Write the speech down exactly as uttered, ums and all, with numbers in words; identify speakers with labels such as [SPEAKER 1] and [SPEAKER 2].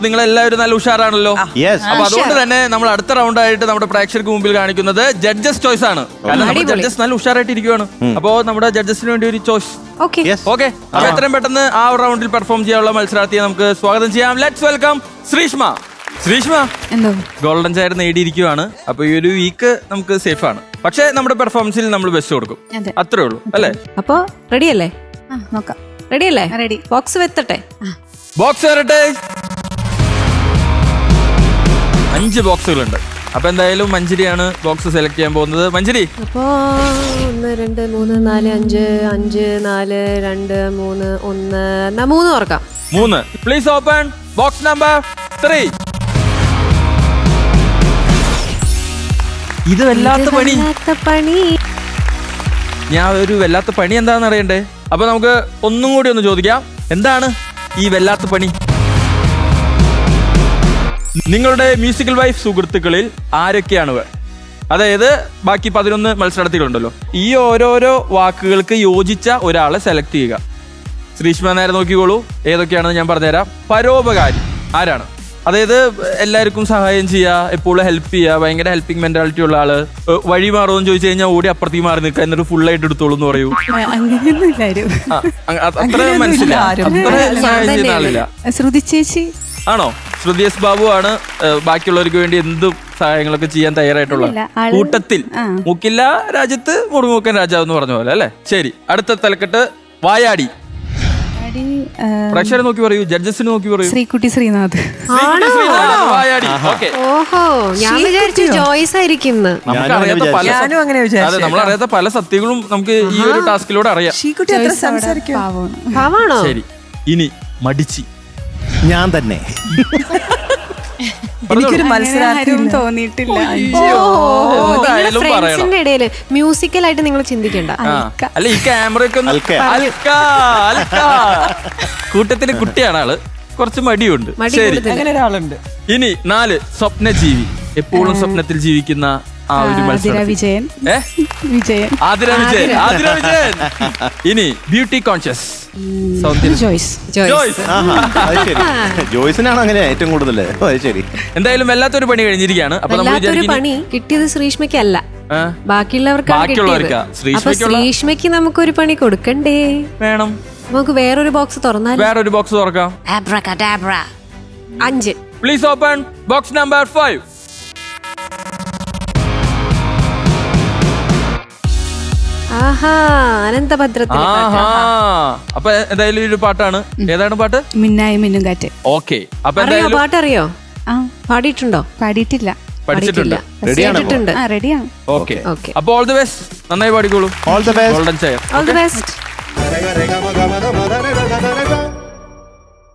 [SPEAKER 1] നിങ്ങളെല്ലാവരും നല്ല ഉഷാറാണല്ലോ. അപ്പൊ അതുകൊണ്ട് തന്നെ നമ്മൾ അടുത്ത റൗണ്ട് ആയിട്ട് നമ്മുടെ പ്രേക്ഷകർക്ക് മുമ്പിൽ കാണിക്കുന്നത് ജഡ്ജസ് ചോയ്സ് ആണ്. കാരണം നമ്മുടെ ജഡ്ജസ് നല്ല ഉഷാറായിട്ട് ഇരിക്കുവാണ്. അപ്പോ നമ്മുടെ ജഡ്ജസിന് വേണ്ടി ഒരു ചോയ്സ്. ഓക്കെ, അപ്പൊ എത്രയും പെട്ടെന്ന് ആ റൗണ്ടിൽ പെർഫോം ചെയ്യാനുള്ള മത്സരാർത്ഥിയെ നമുക്ക് സ്വാഗതം ചെയ്യാം. Let's welcome Sreeshma. Sreeshma golden chair നേടിയിരിക്കുവാണ്. അപ്പൊ ഈ ഒരു വീക്ക് നമുക്ക് സേഫ് ആണ്. പക്ഷെ നമ്മുടെ പെർഫോമൻസിൽ നമ്മൾ ബെസ്റ്റ് കൊടുക്കും. അത്രേ ഉള്ളൂ അല്ലേ?
[SPEAKER 2] അപ്പൊ റെഡി അല്ലേ?
[SPEAKER 3] നോക്കാം.
[SPEAKER 2] റെഡി അല്ലേ?
[SPEAKER 3] റെഡി.
[SPEAKER 2] ബോക്സ് വെത്തട്ടെ.
[SPEAKER 1] ബോക്സ് വരട്ടെ. അഞ്ച് ബോക്സുകളുണ്ട്. അപ്പൊ എന്തായാലും മഞ്ജരിയാണ് ബോക്സ് സെലക്ട് ചെയ്യാൻ പോകുന്നത്. മഞ്ജരി,
[SPEAKER 2] അപ്പോ ഒന്ന് രണ്ട് മൂന്ന് നാല് അഞ്ച് അഞ്ച് നാല് രണ്ട് മൂന്ന് ഒന്ന് എന്നാ മൂന്ന് ഓർക്കാം.
[SPEAKER 1] മൂന്ന്. Please open box number three. ഇത് വല്ലാത്ത പണി.
[SPEAKER 2] പണി
[SPEAKER 1] ഞാൻ ഒരു വല്ലാത്ത പണി എന്താണെന്ന് അറിയണ്ടേ? അപ്പൊ നമുക്ക് ഒന്നും കൂടി ഒന്ന് ചോദിക്കാം, എന്താണ് ഈ വല്ലാത്ത പണി? നിങ്ങളുടെ മ്യൂസിക്കൽ വൈഫ് സുഹൃത്തുക്കളിൽ ആരൊക്കെയാണ്? അതായത് ബാക്കി പതിനൊന്ന് മത്സരാർത്ഥികളുണ്ടല്ലോ, ഈ ഓരോരോ വാക്കുകൾക്ക് യോജിച്ച ഒരാളെ സെലക്ട് ചെയ്യുക. ശ്രീഷ്മ നേരെ നോക്കിക്കോളൂ, ഏതൊക്കെയാണെന്ന് ഞാൻ പറഞ്ഞുതരാം. പരോപകാരി ആരാണ്? അതായത് എല്ലാവർക്കും സഹായം ചെയ്യുക, എപ്പോഴും ഹെൽപ്പ് ചെയ്യുക, ഭയങ്കര ഹെൽപ്പിംഗ് മെന്റാലിറ്റി ഉള്ള ആള്. വഴി മാറുമെന്ന് ചോദിച്ചു കഴിഞ്ഞാൽ ഓടി അപ്പുറത്തേക്ക് മാറി നിൽക്കുക, എന്നിട്ട് ഫുൾ ആയിട്ട് എടുത്തോളൂ എന്ന് പറയൂ. അത്ര മനസ്സിലായി, അത്ര സഹായം ചെയ്യുന്ന ആളില്ല.
[SPEAKER 3] ശ്രുതി ചേച്ചി
[SPEAKER 1] ആണോ? ശ്രുതി എസ് ബാബു ആണ് ബാക്കിയുള്ളവർക്ക് വേണ്ടി എന്തും സഹായങ്ങളൊക്കെ ചെയ്യാൻ തയ്യാറായിട്ടുള്ള കൂട്ടത്തിൽ. മൂക്കില്ല രാജ്യത്ത് മുറുമുക്കൻ രാജാവ് എന്ന് പറഞ്ഞ പോലെ അല്ലെ? ശരി, അടുത്ത തലക്കെട്ട് വായാടി. പ്രേക്ഷകരെ നോക്കി പറയൂ, ജഡ്ജസിന് നോക്കി പറയൂ.
[SPEAKER 3] ശ്രീകുട്ടി ശ്രീനാഥ്.
[SPEAKER 1] വായാടി.
[SPEAKER 2] ഓഹോ, ഞാൻ വിചാരിച്ചു ജോയ്സ് ആയിരിക്കും.
[SPEAKER 1] നമുക്കറിയാത്ത പല അതെ നമ്മളറിയാത്ത പല സത്യങ്ങളും നമുക്ക് ഈ ഒരു ടാസ്കിലൂടെ അറിയാം. ശരി, ഇനി മടിച്ചി.
[SPEAKER 4] ഞാൻ തന്നെ.
[SPEAKER 3] എനിക്കൊരു മത്സരാർത്ഥിയും തോന്നിയിട്ടില്ല.
[SPEAKER 2] ഫ്രണ്ട്സിന്റെ ഇടയില് മ്യൂസിക്കലായിട്ട് നിങ്ങൾ ചിന്തിക്കണ്ട.
[SPEAKER 1] അല്ല, ഈ ക്യാമറയൊക്കെ കൂട്ടത്തിന് കുട്ടിയാണ് ആള്, കുറച്ച് മടിയുണ്ട്. ശരി, ഇനി നാല് സ്വപ്നജീവി. എപ്പോഴും സ്വപ്നത്തിൽ ജീവിക്കുന്ന ആ ഒരു മത്സരം.
[SPEAKER 3] വിജയൻ. വിജയൻ.
[SPEAKER 1] ആതിര വിജയൻ. ആതിര വിജയൻ. ഇനി ബ്യൂട്ടി കോൺഷ്യസ്.
[SPEAKER 3] ജോയ്സ്.
[SPEAKER 4] ജോയ്സിനാണ് അങ്ങനെ ഏറ്റവും കൂടുതൽ. ശരി,
[SPEAKER 1] എന്തായാലും വല്ലാത്തൊരു പണി കഴിഞ്ഞിരിക്കുകയാണ്. അപ്പൊ
[SPEAKER 2] വല്ലാത്തൊരു പണി കിട്ടിയത് ശ്രീഷ്മയ്ക്കല്ല, ബാക്കിയുള്ളവർക്കാണ് കിട്ടിയത്. അപ്പൊ ശ്രീഷ്മയ്ക്ക് നമുക്കൊരു പണി കൊടുക്കണ്ടേ?
[SPEAKER 1] വേണം.
[SPEAKER 2] നമുക്ക് വേറൊരു ബോക്സ് തുറന്നാൽ.
[SPEAKER 1] വേറൊരു ബോക്സ് തുറക്കാം.
[SPEAKER 2] അഞ്ച്.
[SPEAKER 1] Please open box number five.
[SPEAKER 2] ആഹാ, അനന്തഭദ്രത്തിൽ.
[SPEAKER 1] അപ്പൊ എന്തായാലും ഒരു പാട്ടാണ്. ഏതാണ് പാട്ട്?
[SPEAKER 3] മിന്നായി മിന്നും കാറ്റ്.
[SPEAKER 1] ഓക്കെ, അപ്പൊ
[SPEAKER 2] എന്തായാലും പാട്ടറിയോ? പാടിയിട്ടുണ്ടോ?
[SPEAKER 3] പാടിയിട്ടില്ല.
[SPEAKER 1] പഠിച്ചിട്ടുണ്ട്.
[SPEAKER 2] കേട്ടിട്ടുണ്ട്.
[SPEAKER 3] റെഡിയാണ്.
[SPEAKER 1] ഓക്കെ, അപ്പൊ ഓൾ ദി ബെസ്റ്റ്. നന്നായി പാടിക്കോളൂ.
[SPEAKER 4] All the best.
[SPEAKER 1] Golden chair.
[SPEAKER 2] All the best.